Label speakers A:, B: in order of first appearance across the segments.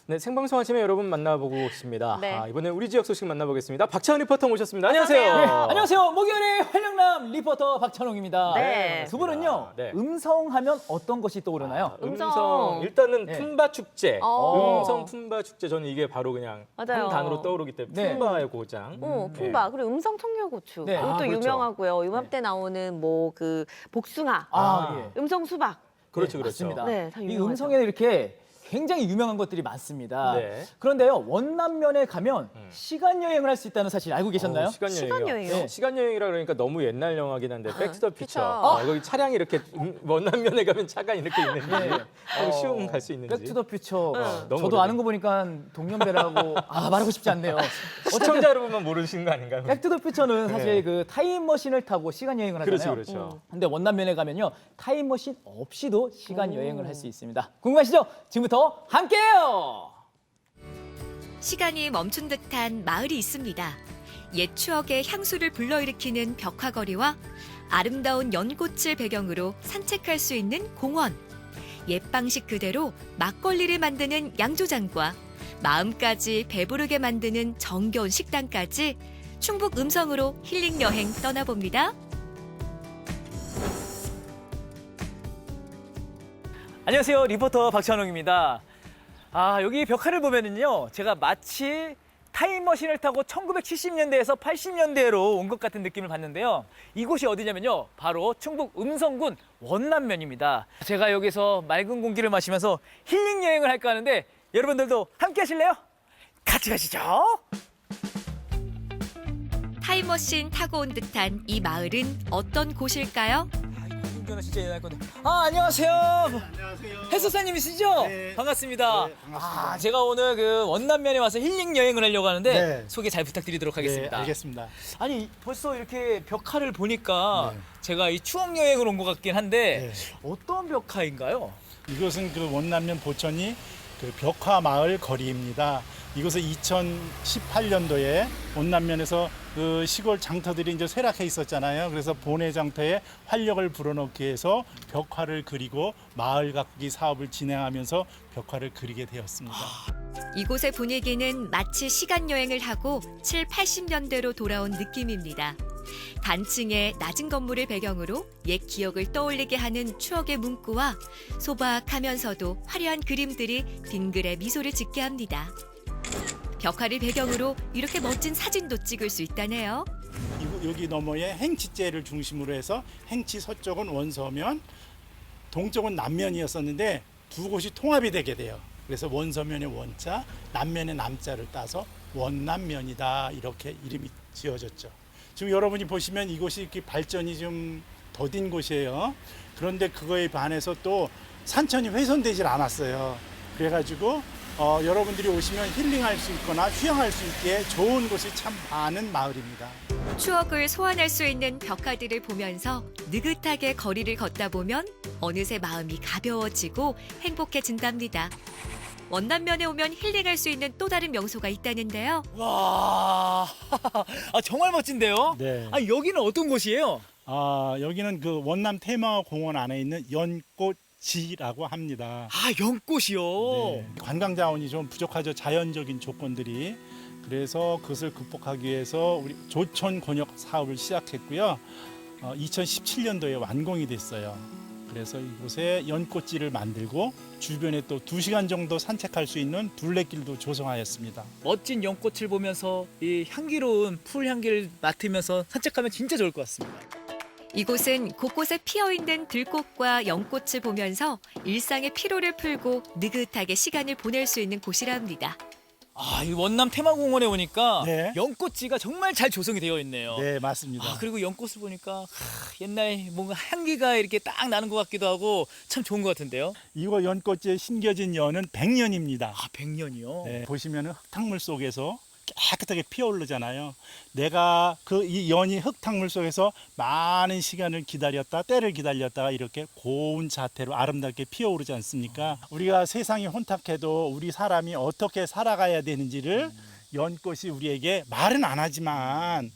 A: 네, 생방송 아침에 여러분 만나보고 있습니다.
B: 네.
A: 이번에 우리 지역 소식 만나보겠습니다. 박찬원 리포터 모셨습니다. 안녕하세요.
B: 네,
C: 안녕하세요. 목요일의 활력남 리포터 박찬홍입니다.
B: 네.
C: 두 분은요,
A: 네.
C: 음성하면 어떤 것이 떠오르나요?
A: 음성. 일단은
C: 네.
A: 품바 축제.
B: 어.
A: 음성 품바 축제. 저는 이게 바로 그냥
B: 맞아요.
A: 한 단어로 떠오르기 때문에
C: 네.
A: 품바의 고장.
B: 품바 그리고 음성 청양고추
C: 네.
B: 이것도
A: 그렇죠.
B: 유명하고요. 이맘때 나오는 뭐 그 복숭아,
C: 예.
B: 음성 수박.
A: 그렇죠,
C: 네,
A: 그렇죠.
C: 맞습니다.
B: 네, 다
C: 이
B: 유명하죠.
C: 음성에는 이렇게 굉장히 유명한 것들이 많습니다.
A: 네.
C: 그런데요, 원남면에 가면 시간 여행을 할 수 있다는 사실 알고 계셨나요?
A: 시간 여행이요.
B: 시간 여행이요?
A: 네. 시간 여행이라 그러니까 너무 옛날 영화긴 한데 백투더 피처.
B: 피처.
A: 거기 차량이 이렇게 원남면에 가면 차가 이렇게 있는지
C: 네.
A: 쉬운 갈 수 있는지.
C: 백투더퓨처.
A: 너무
C: 저도
A: 오래된-
C: 아는 거 보니까 동년배라고 말하고 싶지 않네요.
A: 시청자 여러분만 모르시는 거 아닌가요?
C: 백투더퓨처는 사실
A: 네.
C: 그 타임머신을 타고 시간 여행을 하잖아요.
A: 그렇죠, 그렇죠.
C: 근데 원남면에 가면요, 타임머신 없이도 시간 여행을 할 수 있습니다. 궁금하시죠? 지금부터 함께해요.
D: 시간이 멈춘 듯한 마을이 있습니다. 옛 추억의 향수를 불러일으키는 벽화거리와 아름다운 연꽃을 배경으로 산책할 수 있는 공원. 옛 방식 그대로 막걸리를 만드는 양조장과 마음까지 배부르게 만드는 정겨운 식당까지 충북 음성으로 힐링 여행 떠나봅니다.
C: 안녕하세요, 리포터 박찬홍입니다. 여기 벽화를 보면은요, 제가 마치 타임머신을 타고 1970년대에서 80년대로 온 것 같은 느낌을 받는데요. 이곳이 어디냐면요, 바로 충북 음성군 원남면입니다. 제가 여기서 맑은 공기를 마시면서 힐링 여행을 할까 하는데 여러분들도 함께 하실래요? 같이 가시죠.
D: 타임머신 타고 온 듯한 이 마을은 어떤 곳일까요?
C: 운전은 진짜 예날 건데. 안녕하세요.
E: 안녕하세요.
C: 해수사님이시죠?
E: 네.
C: 반갑습니다.
E: 네, 반갑습니다.
C: 제가 오늘 그 원남면에 와서 힐링 여행을 하려고 하는데
E: 네.
C: 소개 잘 부탁드리도록 하겠습니다.
E: 네, 알겠습니다.
C: 아니, 벌써 이렇게 벽화를 보니까
E: 네.
C: 제가 이 추억 여행을 온 것 같긴 한데
E: 네.
C: 어떤 벽화인가요?
E: 이것은 그 원남면 보천이 그 벽화 마을 거리입니다. 이곳은 2018년도에 원남면에서 그 시골 장터들이 이제 쇠락해 있었잖아요. 그래서 본회 장터에 활력을 불어넣기 위해서 벽화를 그리고 마을 가꾸기 사업을 진행하면서 벽화를 그리게 되었습니다.
D: 이곳의 분위기는 마치 시간 여행을 하고 7, 80년대로 돌아온 느낌입니다. 단층의 낮은 건물을 배경으로 옛 기억을 떠올리게 하는 추억의 문구와 소박하면서도 화려한 그림들이 빙글에 미소를 짓게 합니다. 벽화를 배경으로 이렇게 멋진 사진도 찍을 수 있다네요.
E: 여기 너머에 행치제를 중심으로 해서 행치 서쪽은 원서면, 동쪽은 남면이었었는데 두 곳이 통합이 되게 돼요. 그래서 원서면의 원자, 남면의 남자를 따서 원남면이다, 이렇게 이름이 지어졌죠. 지금 여러분이 보시면 이곳이 이렇게 발전이 좀 더딘 곳이에요. 그런데 그거에 반해서 또 산천이 훼손되질 않았어요. 그래가지고 여러분들이 오시면 힐링할 수 있거나 휴양할 수 있게 좋은 곳이 참 많은 마을입니다.
D: 추억을 소환할 수 있는 벽화들을 보면서 느긋하게 거리를 걷다 보면 어느새 마음이 가벼워지고 행복해진답니다. 원남면에 오면 힐링할 수 있는 또 다른 명소가 있다는데요.
C: 와, 정말 멋진데요?
E: 네.
C: 여기는 어떤 곳이에요?
E: 여기는 그 원남 테마공원 안에 있는 연꽃지라고 합니다.
C: 연꽃이요.
E: 네. 관광 자원이 좀 부족하죠. 자연적인 조건들이. 그래서 그것을 극복하기 위해서 우리 조천 권역 사업을 시작했고요. 2017년도에 완공이 됐어요. 그래서 이곳에 연꽃지를 만들고 주변에 또 2시간 정도 산책할 수 있는 둘레길도 조성하였습니다.
C: 멋진 연꽃을 보면서 이 향기로운 풀 향기를 맡으면서 산책하면 진짜 좋을 것 같습니다.
D: 이곳은 곳곳에 피어있는 들꽃과 연꽃을 보면서 일상의 피로를 풀고 느긋하게 시간을 보낼 수 있는 곳이랍니다.
C: 이 원남 테마공원에 오니까
E: 네.
C: 연꽃지가 정말 잘 조성이 되어 있네요.
E: 네, 맞습니다.
C: 그리고 연꽃을 보니까 옛날 뭔가 향기가 이렇게 딱 나는 것 같기도 하고 참 좋은 것 같은데요.
E: 이거 연꽃지에 심겨진 연은 100년입니다.
C: 100년이요?
E: 네, 보시면 흙탕물 속에서 깨끗하게 피어오르잖아요. 내가 이 연이 흙탕물 속에서 많은 시간을 기다렸다, 때를 기다렸다가 이렇게 고운 자태로 아름답게 피어오르지 않습니까? 우리가 세상이 혼탁해도 우리 사람이 어떻게 살아가야 되는지를 연꽃이 우리에게 말은 안 하지만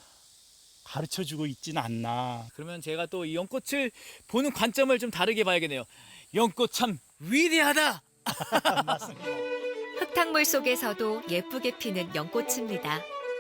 E: 가르쳐주고 있지는 않나.
C: 그러면 제가 또 이 연꽃을 보는 관점을 좀 다르게 봐야겠네요. 연꽃 참 위대하다!
E: 맞습니다.
D: 흙탕물 속에서도 예쁘게 피는 연꽃입니다.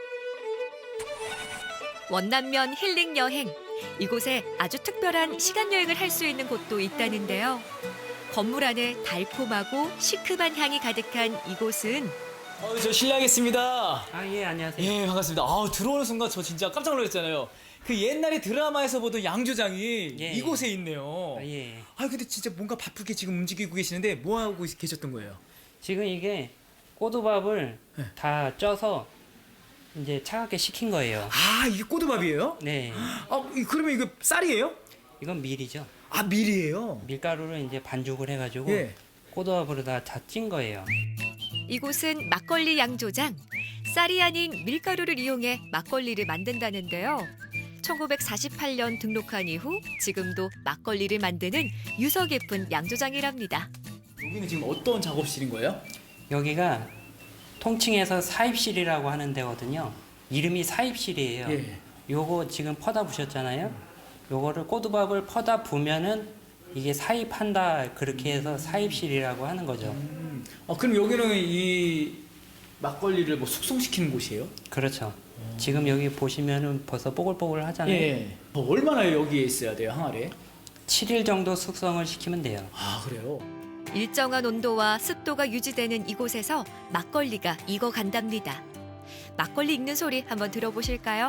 D: 원남면 힐링 여행. 이곳에 아주 특별한 시간 여행을 할 수 있는 곳도 있다는데요. 건물 안에 달콤하고 시큼한 향이 가득한 이곳은
C: 저 실례하겠습니다.
F: 아, 예, 안녕하세요.
C: 예, 반갑습니다. 들어오는 순간 저 진짜 깜짝 놀랐잖아요. 그 옛날에 드라마에서 보던 양조장이
F: 예.
C: 이곳에 있네요.
F: 아, 예.
C: 근데 진짜 뭔가 바쁘게 지금 움직이고 계시는데 뭐 하고 계셨던 거예요?
F: 지금 이게 꼬두밥을
C: 네.
F: 다 쪄서 이제 차갑게 식힌 거예요.
C: 이게 꼬두밥이에요?
F: 네.
C: 그러면 이거 쌀이에요?
F: 이건 밀이죠.
C: 밀이에요?
F: 밀가루를 이제 반죽을 해가지고
C: 예.
F: 꼬두밥으로 다 찐 거예요.
D: 이곳은 막걸리 양조장. 쌀이 아닌 밀가루를 이용해 막걸리를 만든다는데요. 1948년 등록한 이후 지금도 막걸리를 만드는 유서 깊은 양조장이랍니다.
C: 여기는 지금 어떤 작업실인 거예요?
F: 여기가 통칭해서 사입실이라고 하는 데거든요. 이름이 사입실이에요.
C: 예.
F: 요거 지금 퍼다 부셨잖아요. 요거를 꼬두밥을 퍼다 부면은 이게 사입한다, 그렇게 해서 사입실이라고 하는 거죠.
C: 그럼 여기는 이 막걸리를 뭐 숙성시키는 곳이에요?
F: 그렇죠. 지금 여기 보시면은 벌써 뽀글뽀글 하잖아요.
C: 예. 얼마나 여기에 있어야 돼요, 항아리에?
F: 7일 정도 숙성을 시키면 돼요.
C: 그래요?
D: 일정한 온도와 습도가 유지되는 이곳에서 막걸리가 익어간답니다. 막걸리 익는 소리 한번 들어보실까요?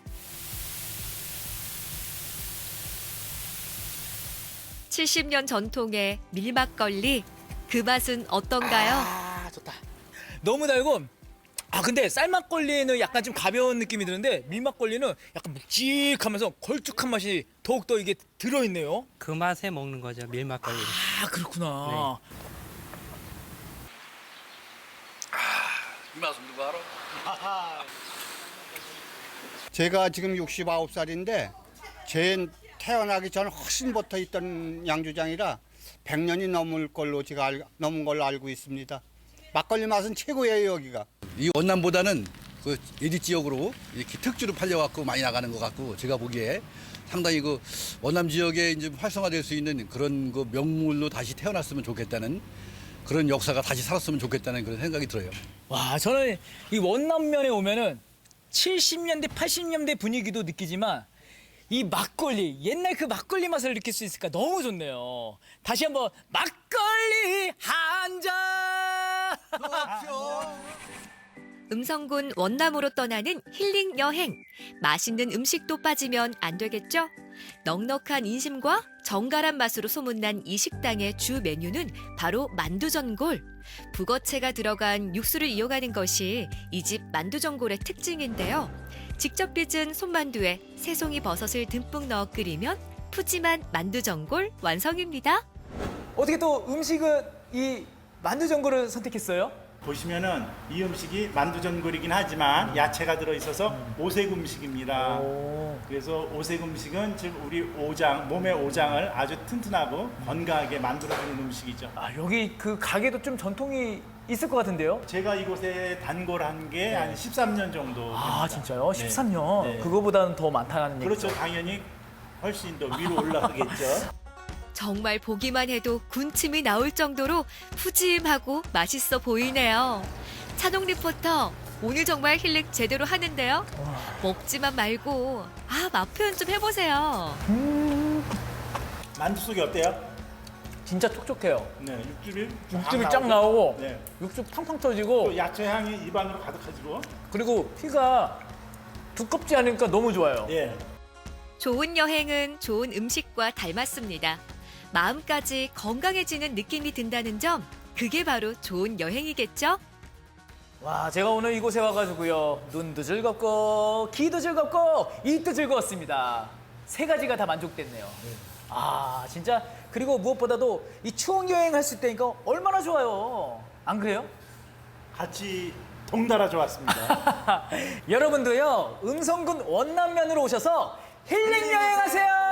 D: (70년) 전통의 밀막걸리, 그 맛은 어떤가요?
C: 좋다. 너무 달고. 근데 쌀막걸리는 약간 좀 가벼운 느낌이 드는데 밀막걸리는 약간 묵직하면서 걸쭉한 맛이 더욱더 이게 들어있네요.
F: 그 맛에 먹는 거죠, 밀막걸리.
C: 그렇구나.
G: 이 맛은 누가 알아?
H: 제가 지금 69살인데 제 태어나기 전 훨씬부터 있던 양조장이라 100년이 넘을 걸로 제가 넘은 걸로 알고 있습니다. 막걸리 맛은 최고예요, 여기가.
G: 이 원남보다는 그 예지 지역으로 이렇게 특주로 팔려갖고 많이 나가는 것 같고 제가 보기에 상당히 그 원남 지역에 이제 활성화될 수 있는 그런 그 명물로 다시 태어났으면 좋겠다는 그런 역사가 다시 살았으면 좋겠다는 그런 생각이 들어요.
C: 저는 이 원남면에 오면은 70년대, 80년대 분위기도 느끼지만 이 막걸리, 옛날 그 막걸리 맛을 느낄 수 있으니까 너무 좋네요. 다시 한번 막걸리 한 잔!
D: 음성군 원남으로 떠나는 힐링 여행. 맛있는 음식도 빠지면 안 되겠죠? 넉넉한 인심과 정갈한 맛으로 소문난 이 식당의 주 메뉴는 바로 만두전골. 북어채가 들어간 육수를 이용하는 것이 이 집 만두전골의 특징인데요. 직접 빚은 손만두에 새송이 버섯을 듬뿍 넣어 끓이면 푸짐한 만두전골 완성입니다.
C: 어떻게 또 음식은 이 만두전골을 선택했어요?
E: 보시면은 이 음식이 만두전골이긴 하지만 야채가 들어있어서 오색 음식입니다. 그래서 오색 음식은 즉 우리 오장, 몸의 오장을 아주 튼튼하고 건강하게 만들어주는 음식이죠.
C: 여기 그 가게도 좀 전통이 있을 것 같은데요?
E: 제가 이곳에 단골한 게 한 13년 정도 됩니다.
C: 진짜요?
E: 네.
C: 13년?
E: 네.
C: 그거보다는 더 많다는
E: 그렇죠.
C: 얘기죠?
E: 당연히 훨씬 더 위로 올라가겠죠.
D: 정말 보기만 해도 군침이 나올 정도로 푸짐하고 맛있어 보이네요. 찬홍 리포터, 오늘 정말 힐링 제대로 하는데요. 먹지만 말고 맛 표현 좀 해보세요.
E: 만두 속이 어때요?
C: 진짜 촉촉해요.
E: 네, 육즙이
C: 육즙이 쫙 나오고
E: 네.
C: 육즙 팡팡 터지고
E: 또 야채 향이 입안으로 가득하지고.
C: 그리고 피가 두껍지 않으니까 너무 좋아요.
E: 예.
D: 좋은 여행은 좋은 음식과 닮았습니다. 마음까지 건강해지는 느낌이 든다는 점, 그게 바로 좋은 여행이겠죠?
C: 와, 제가 오늘 이곳에 와가지고요. 눈도 즐겁고 귀도 즐겁고 입도 즐거웠습니다. 세 가지가 다 만족됐네요. 진짜 그리고 무엇보다도 이 추억 여행할 수 있다니까 얼마나 좋아요. 안 그래요?
E: 같이 동달아 좋았습니다.
C: 여러분도요. 음성군 원남면으로 오셔서 힐링 여행하세요.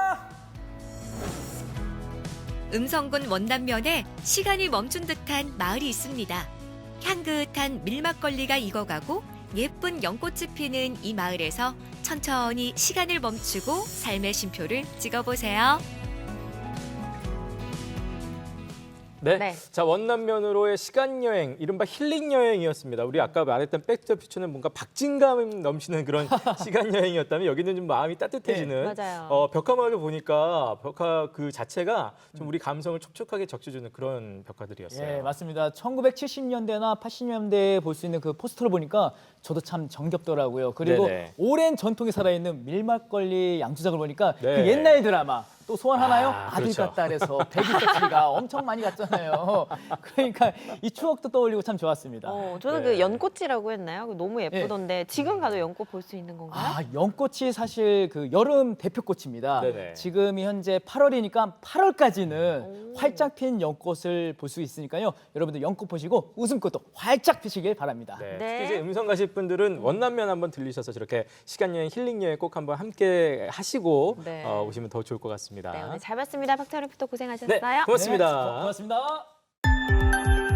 D: 음성군 원남면에 시간이 멈춘 듯한 마을이 있습니다. 향긋한 밀막걸리가 익어가고 예쁜 연꽃이 피는 이 마을에서 천천히 시간을 멈추고 삶의 쉼표를 찍어보세요.
A: 네.
B: 네.
A: 자, 원남면으로의 시간 여행, 이른바 힐링 여행이었습니다. 우리 아까 말했던 백투더퓨처는 뭔가 박진감 넘치는 그런 시간 여행이었다면 여기는 좀 마음이 따뜻해지는.
B: 네, 맞아요.
A: 벽화마을을 보니까 벽화 그 자체가 좀 우리 감성을 촉촉하게 적셔주는 그런 벽화들이었어요.
C: 예, 맞습니다. 1970년대나 80년대에 볼 수 있는 그 포스터를 보니까 저도 참 정겹더라고요. 그리고
A: 네네.
C: 오랜 전통이 살아있는 밀막걸리 양주작을 보니까
A: 네.
C: 그 옛날 드라마 또 소환하나요? 아들
A: 그렇죠.
C: 같다 그래서 백이석씨가 엄청 많이 갔잖아요. 그러니까 이 추억도 떠올리고 참 좋았습니다.
B: 저는
A: 네.
B: 그 연꽃이라고 했나요? 너무 예쁘던데 지금 가도 연꽃 볼 수 있는 건가요?
C: 아, 연꽃이 사실 그 여름 대표꽃입니다.
A: 네네.
C: 지금이 현재 8월이니까 8월까지는 활짝 핀 연꽃을 볼 수 있으니까요. 여러분들 연꽃 보시고 웃음꽃도 활짝 피시길 바랍니다.
A: 네.
B: 네.
A: 특히 이제 음성 가실 분들은 원남면 한번 들리셔서 저렇게 시간 여행, 힐링 여행 꼭 한번 함께 하시고
B: 네.
A: 오시면 더 좋을 것 같습니다.
B: 네, 오늘 잘 봤습니다. 박찬호 리포터 고생하셨어요.
A: 네, 고맙습니다.
C: 네, 고맙습니다.